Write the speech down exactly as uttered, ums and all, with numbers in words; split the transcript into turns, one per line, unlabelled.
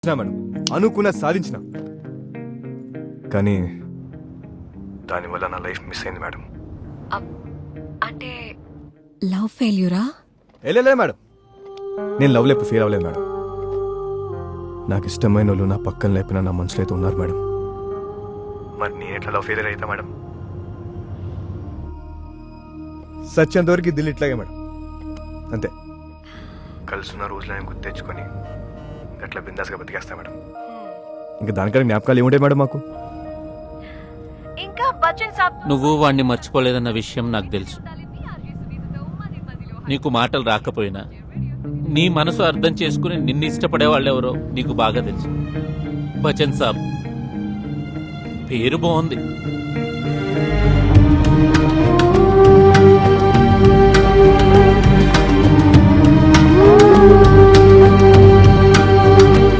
Madam అనుకున్న సాధించిన, కానీ దానివల్ల నా లైఫ్ మిస్ అయింది మేడం.
అంటే లవ్ ఫెయిల్యూరా?
వెళ్ళలే మేడం, నేను లవ్ లేపు ఫీల్ అవ్వలేదు మేడం. నాకు ఇష్టమైన వాళ్ళు నా పక్కన లేపిన నా మనసులో అయితే ఉన్నారు మేడం. మరి నేను ఎట్లా లవ్ ఫెయిలియర్ అవుతా మేడం? సత్యంతవరకు దిల్ ఇట్లాగే మేడం, అంతే. కలుసున్న రోజులు నేను గుర్తు తెచ్చుకొని అట్లా బిందాస్గా బతికేస్తా మేడం. ఇంకా దానికన్నా జ్ఞాపకాలు ఏముంటాయి మేడం మాకు?
ఇంకా బచ్చన్ సాబ్
నువ్వు వాణ్ణి మర్చిపోలేదన్న విషయం నాకు తెలుసు. నీకు మాటలు రాకపోయినా నీ మనసు అర్థం చేసుకుని నిన్ను ఇష్టపడే వాళ్ళెవరో నీకు బాగా తెలుసు. బచ్చన్ సాబ్ పేరు బాగుంది,